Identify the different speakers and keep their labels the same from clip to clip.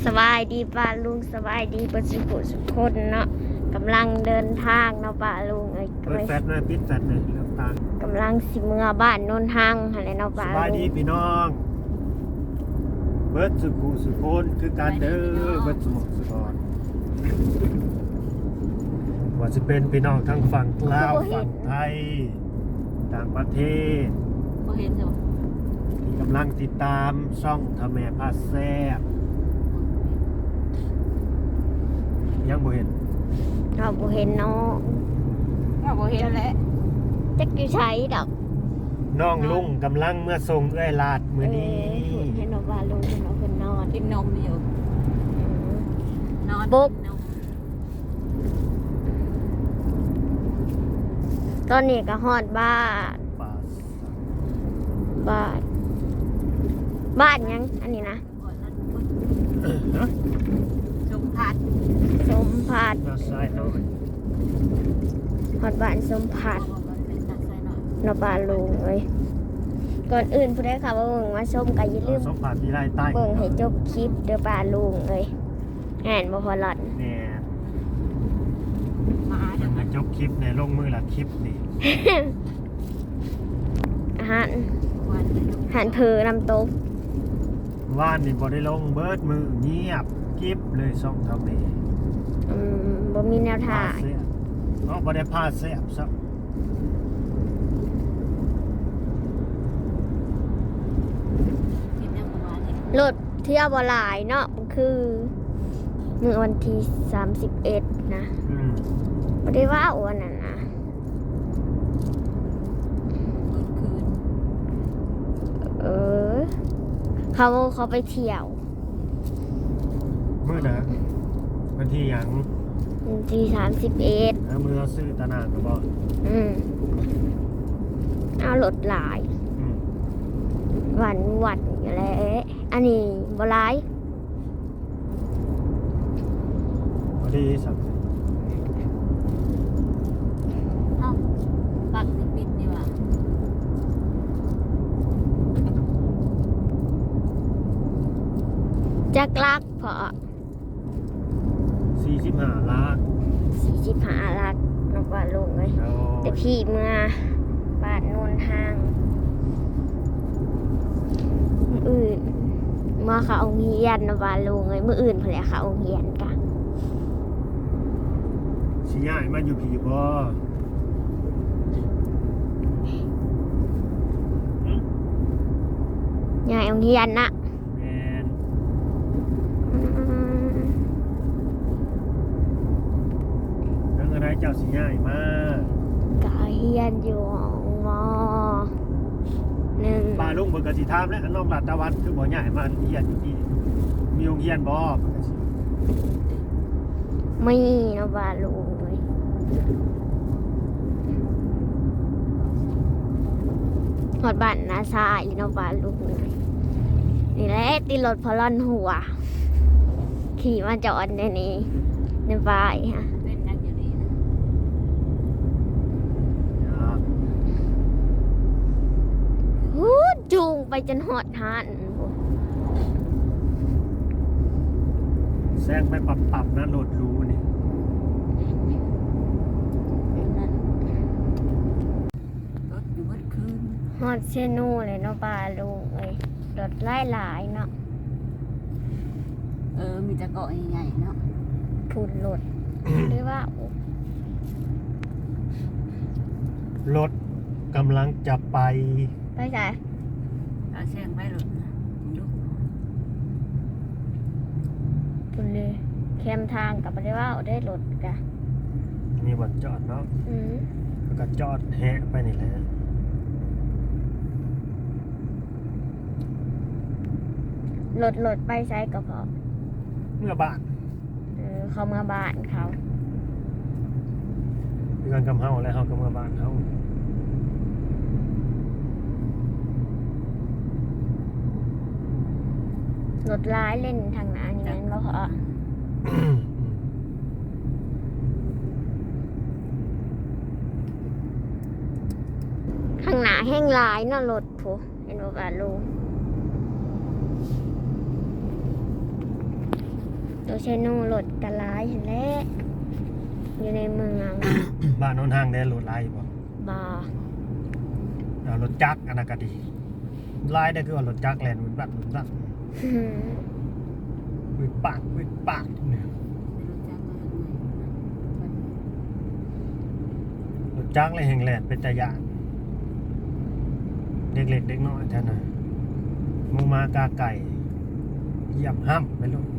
Speaker 1: สบายดีป้าลุงสบายดีประสิบุสุคนเนาะกำลังเดินทางเนาะป้าลุง
Speaker 2: เปิดแฟตเลยปิดแฟตเลยแล้วตาก
Speaker 1: ำลังสิเมื่อบ้านโนนทางอะไรเนาะป้า
Speaker 2: ส
Speaker 1: ลุง
Speaker 2: บายดีพี่น้องเบิร์ดสุขุสุโคนคือการเด้อเบิร์ดสมองสุกรว่าจะเป็นพี่น้องทั้งฝั่งลาวฝั่งไทยต่างประเทศ
Speaker 3: บ่เห็นจ้ะ
Speaker 2: ที่กำลังติดตามช่องทำแม่พาแซ่บยังบ่เห็น
Speaker 1: เราบ่เห็นเนาะ
Speaker 3: บ่เห็นแล้ว
Speaker 1: จักอยู่ใช้ดอก
Speaker 2: น้องลุงกำลังเมื่อทรงเอื้อยลาดมื้อนี้
Speaker 1: ให้เนาะป้าลุงให้เนาะเพิ่นนอน
Speaker 3: กินนมอยู่นอน
Speaker 1: ปุ๊บ
Speaker 3: นม
Speaker 1: ตอนนี้ก็ฮอดบ้าน
Speaker 2: ป่า
Speaker 1: บ้านบ้านยังอันนี้นะ
Speaker 3: ก่อนนั้น
Speaker 2: ฮะ
Speaker 3: ชมพัด
Speaker 1: สมผัด
Speaker 2: มาซ้ายน้อย
Speaker 1: ฮอดบ้านสมผัด
Speaker 3: เป็นตัดใส่หน่อย
Speaker 1: เนาะป้าลุงเอ้ยก่อนอื่นผู้ใดค่ะว่าเบิ่งมาชมก็อย่าลืม
Speaker 2: สมผัสที่ไร่ใต้
Speaker 1: เบิ่งให้จบคลิปเด้อป้าลุงเอ้ยแห่นบ่พอหลอด
Speaker 2: เนี่ย
Speaker 3: มา
Speaker 2: มั
Speaker 3: เดี๋ย
Speaker 2: น
Speaker 3: ว
Speaker 2: จะจบคลิปในลงมือละคลิปนี่
Speaker 1: อาหาร
Speaker 3: วัน
Speaker 1: อาหารเพอน้ำตก
Speaker 2: ว่านนี่บ่ได้ลงเบิดมือเงียบคลิปเลยช่องทำนี่
Speaker 1: บ่มีแนวทาง
Speaker 2: เสียเนาะบ่ได้พาแซ่บซับ
Speaker 3: กินยังประมาณนี้
Speaker 1: รถเที่ยวบ่หลายเนาะคือมื้อวันที่31นะ บ่ได้ว่าอ้วนน่ะนะ
Speaker 3: คืน
Speaker 1: เออเขาไปเที่ยว
Speaker 2: มื้อนะวันที่หยัง
Speaker 1: วันที่31
Speaker 2: มือเราซื้อตะนานก็บ่
Speaker 1: เอารถหลาย
Speaker 2: อืม
Speaker 1: วันอยู่แหล้วอันนี้บ่หลาย
Speaker 2: พอดีสับ
Speaker 3: เอ้าปักปิดนี่ว่ะ
Speaker 1: จักลักพอ
Speaker 2: 45ล้าน
Speaker 1: 45ลักนกว่าลงเลย
Speaker 2: แล้ว
Speaker 1: แต่พี่เมื่อบ้านโนนทางมื้ออื่นเมื่อเขาเอาเฮียนนะว่าลงเลยมื้ออื่นเพิ่นแหละเขาเอาเฮียนกะ
Speaker 2: สิย้ายมาอยู่พี่บ่
Speaker 1: ยายเอาเฮียนนะ
Speaker 2: แม่น แล้วอะไรเจ้าสิย้ายมา
Speaker 1: ก็เฮียนอยู่มหนึ่ง
Speaker 2: ป้าลุงเพิ่นก็สิถามแล้วน้องรัตตะวันคือบ่ย้ายมาเรียนอยู่ที่มีโรงเรียนบ่เพิ่นก็สิ
Speaker 1: ไม่นะว่าลงเลยหอดบ้านนาซายเนาะว่าลุงเลยนี่แหละตีรถพลอนหัว ขี่มาจอดในนี้ในบ้านฮะ
Speaker 3: เป็นนักอยู่นี่นะ
Speaker 1: ฮู้จูงไปจนหอดหานโอ้
Speaker 2: แซงไปปรับๆนะโหลดรู้นี่
Speaker 3: นั่นรถอยู่เมื่อคืน
Speaker 1: หอดเชนูเลยเนาะป้าลุงเลยรถไล่หลายเนาะ
Speaker 3: มีตะเกาะใหญ่ๆเนาะ
Speaker 1: พูดรถ หรือว่า
Speaker 2: รถกำลังจะไป
Speaker 1: ไปไหน
Speaker 3: เอาแซงไปรถนะดู
Speaker 1: พูดเลยแคมทางกับไปได้ว่าได้รถกะ
Speaker 2: มีบ่อนจอดเนาะ
Speaker 1: อืม
Speaker 2: แล้วก็จอดแหะไปนี่แหละ
Speaker 1: รถไปใช้ก็พอ
Speaker 2: เมื่อบ้าน
Speaker 1: เขามาบ้านเขา
Speaker 2: เพื่อนกำเฮาแล้วเฮาก็เมื่อบ้านเฮาร
Speaker 1: ถร้ายเล่นทางหน้านี่แมันบ่พอข้างหน้าแห้งหลายเนาะรถผู้เห็นบ่ว่าลุงตัวเชนูรถกระลายเห็นแล้วอยู่ในเมือง
Speaker 2: บ้านโนนห้างได้รถลายบ่
Speaker 1: บ่
Speaker 2: เอารถจักรอันนั้นก็ดีลายได้คือว่ารถจักรแล่นวุ่นวัดวุ่นวัดวิดปากเนี่ยรถจักรเลยแห่งแล่นเป็นตะยานเด็กเล็กเด็กน้อยท่านน่ะหมูมากาไก่เหยียบห้ำไปลูก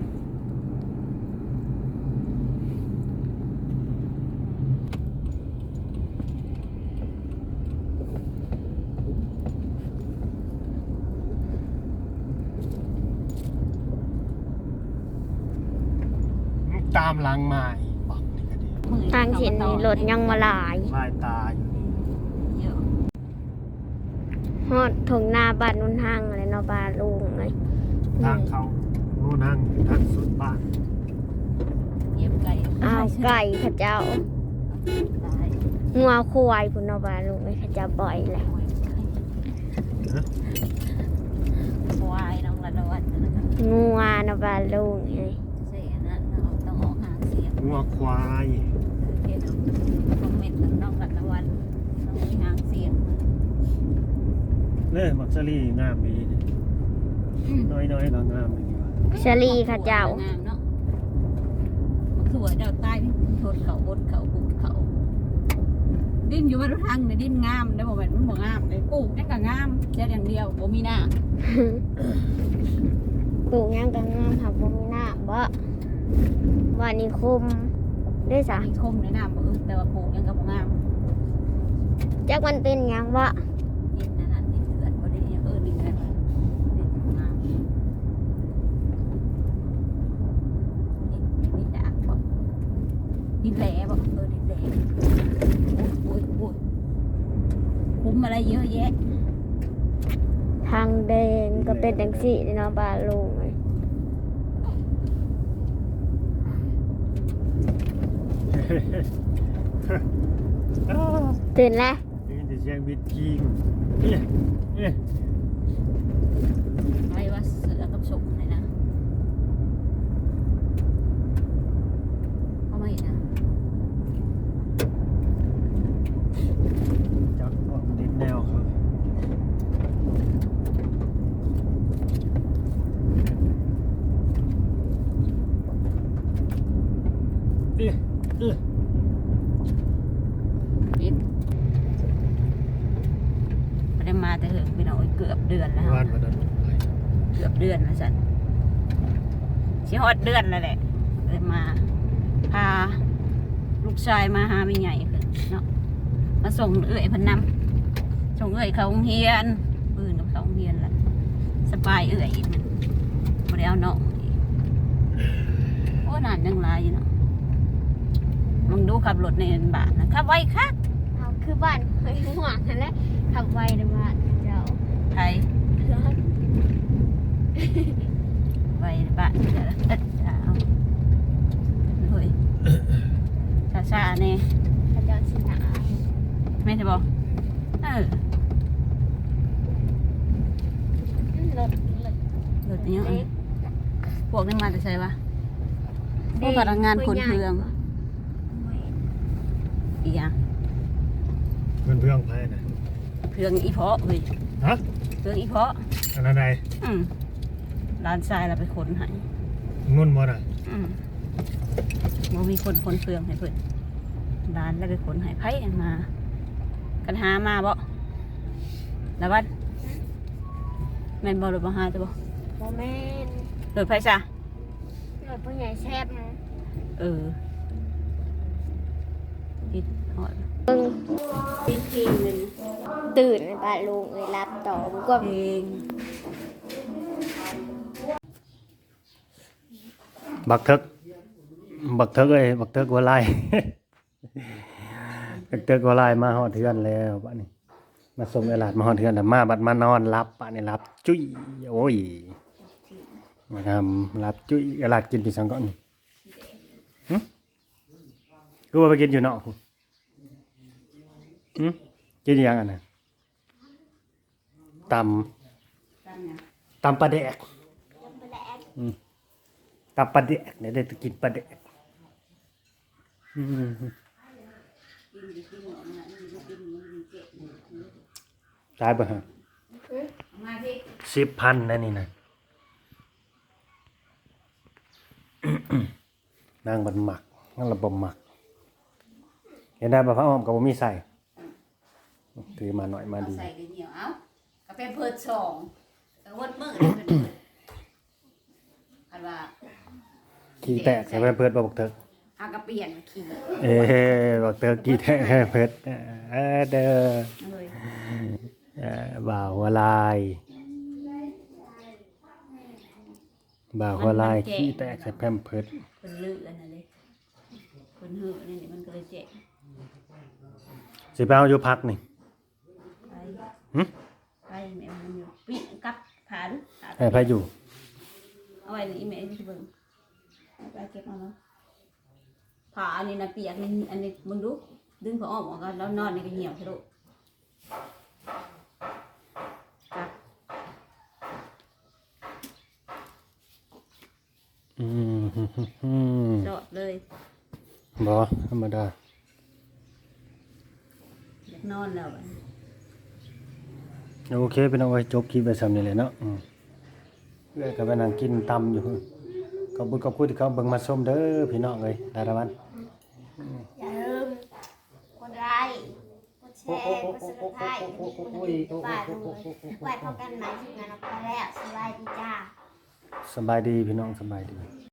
Speaker 2: ตามหลังมาอีกบอกนี่ก็ดี
Speaker 1: ทางเห็นนี่รถยังมาหลาย
Speaker 2: ลายตาอยู่นี่
Speaker 3: เยอะ
Speaker 1: ฮอดถงหน้าบ้านนุ่นห้างอะไรเนาะบ้านลุงไง
Speaker 2: ทางเขาโน่นนั่งทางสุดบ้าน
Speaker 3: เย็บไก่
Speaker 1: อ้าวไก่เข้าเจ้า
Speaker 3: ตาย
Speaker 1: งัวควายพุ่นเนาะบ้านลุงไงเข้าเจ้าบ่อยแหละ
Speaker 3: ควายน้องละวันนะครับ
Speaker 1: งัวเนาะบ้านลุงไง
Speaker 3: เสียนั้นเราต้องออกหาเสียง
Speaker 2: งัวควาย
Speaker 3: เดี๋ยวคอมเมนต์น้องละวันน้องหางเสียง
Speaker 2: เนี่ยมักซารี่งามดีน้อยก็งามดีว่ะ
Speaker 1: เชอรี่เข้าเจ้า
Speaker 3: งามเนาะมันคือว่าเจ้าใต้ทนเขาบดเขาปลูกเขาดิ้นอยู่บนทางในดิ้นงามได้บอกแบบมันบ่งามเลยปลูกได้ก็งามเจ้าอย่างเดียวบ่มีหน้า
Speaker 1: ปลูกหยังก็งามหักบ่มีน้ำบ่ว่านิคมได้สะ
Speaker 3: มีคมในหน้าบ่แต่ว่าปลูกยังก็บ่งาม
Speaker 1: จักมันเป็นหยังบ่
Speaker 3: ดินนั่นดินเถื่อนบ่ได้ยังดินอะไรดินงามดินดากบ่ดินแหลบ่ดินแหลโอ้ยคุ้มอะไรเยอะแยะ
Speaker 1: ทางแดงก็เป็นจังซี่เนาะบ้านลุงไงตื่นแล้ว
Speaker 2: นี่จะเสียงบิดกิ้งเนี่ย
Speaker 3: ไปว่าเสือกับฉกเลยนะเขาไม่นะ
Speaker 2: จับออกดินแนวเขาเอ๊ะ
Speaker 3: ปิดไม่ได้มาแต่เถอะพี่น้องเกือบเดือนแล้ว
Speaker 2: วันวันนั้น
Speaker 3: เกือบเดือนแล้วสันชิฮอดเดือนแล้วแหละเลยมาพาลูกชายมาหาไม่ใหญ่เพิ่นเนาะมาส่งเอื้อยเพิ่นนำส่งเอื้อยเขาโรงเรียนปืนกับเขาโรงเรียนละสบายเอื้อยอีกมันบ่ได้เอาน้องอีกโอ้นานยังหลายอยู่เนาะมึงดูขับรถในบ้านนะขับไวคัก
Speaker 1: เอาคือบ้านเคยห่วงนั่นแหละขับไวในบ้านเจ้า
Speaker 3: ไทยไวในบ้านเดี๋ยวนะเอาเฮ้ยชาๆเนี่ย
Speaker 1: เขาเจ้าสิหนา
Speaker 3: ไม่ใช่บอกเออ
Speaker 1: รถ
Speaker 3: รถนี้พวกนี้มาจะใช่ปะพวกพนักงานคนเพืองอีกอย่าง
Speaker 2: เพื่อนไพ่นะ
Speaker 3: เพืองอีเพาะเฮ้ย
Speaker 2: ฮะ
Speaker 3: เพืองอีเพาะ
Speaker 2: อันนั้นใด
Speaker 3: ร้านทรายเราไปขนให้
Speaker 2: นุ่นบ่น่ะ
Speaker 3: มันมีคนเพืองให้เพิ่นร้านแล้วไปขนให้ไผ่มากันหามาบ่แล้ววันแม่นบ่หรือบ่หาจะบ่
Speaker 1: โมเมน
Speaker 3: รถไฟซะ
Speaker 1: รถผู้ใหญ่แซ่บนะ
Speaker 3: เออติดหอด
Speaker 1: เบิ่ง
Speaker 3: ติดทีนึง
Speaker 1: ตื่นในบ้านลุงเลยรับต่อบุกว่า
Speaker 3: เพลง
Speaker 2: บักเทิกเอ้ยบักเทิกหัวไล่ บักเทิกหัวไล่มาฮอดเทือนแล้วบัดนี้มาส่งเอลาดมาฮอดเทือนแล้วมาบัดมานอนรับบัดนี้รับจุ้ยโอ้ยมาทำรับจุ้ยเอลาดกินปีสังก่อนหึกูว่าไปกินอยู่เนาะหึกินอีหยังอันน่ะตำปลาแดกตับปลาแดกเนี่ยได้กินปลาแดกอืมตายบ่ฮะ
Speaker 3: มาพี่
Speaker 2: 10,000นั่นนี่นะ นางบันหมักนั่นระบบหมักเห็นได้บ่พระอ้อมก็บ่มีใส่ถือมาหน่อยมาดี
Speaker 3: ใส่กันเหนียวเอ้ากาแฟเพิดสองกระวดมือเลยเพิ่นคันว่า
Speaker 2: ขี้แตกใส่เพิ่นบ่บักเถิก
Speaker 3: อากระเปลี่ยนขี่
Speaker 2: บักเถิกขี้แตกเพิ่นเด้อ
Speaker 3: เลย
Speaker 2: บ่าวหัวลายบ่าวหัวลายขี้แตกใส่แพมเพิร์ด
Speaker 3: เพิ่นลืออันนั้นเลยเพิ่นหือนี่มันก็เลยเจ็บ
Speaker 2: สิไปเอาอยู่พักนี่
Speaker 3: ไป
Speaker 2: หึ
Speaker 3: ไปแม่มันอยู่ปิกับผ่าดูผ่า
Speaker 2: ให้ไปอยู่
Speaker 3: เอาไว้นี่แม่ที่เบิ่งเอาไปเก็บเอาเนาะผ่าอันนี้นะเปียกนี่อันนี้มึงดูดึงผ้าอ้อมออกกันแล้วนอนนี่ก็เหี่ยวซะลูกกับ
Speaker 2: อืม
Speaker 3: จอดเลย
Speaker 2: บ่ธรรมดา
Speaker 3: อยากนอนแล้วบัดนี้
Speaker 2: โอเคเป็นเอาไว้จบคลิปไปซ้ำนี่แหละเนาะเอ้ยก็ไปนั่งกินตำอยู่ขอบคุณที่เขาเบิ่งมาชมเด้อพี่น้องเอ้ยดาราวัน
Speaker 1: อย่าลืมกดไลค์กดแชร์กดซับสไครต์กดกระดิ่งกดป้ายด้วยไว้พบกันใหม่ทีมงานออกไปแล้วสวัสดีจ้า
Speaker 2: สบายดีพี่น้องสบายดี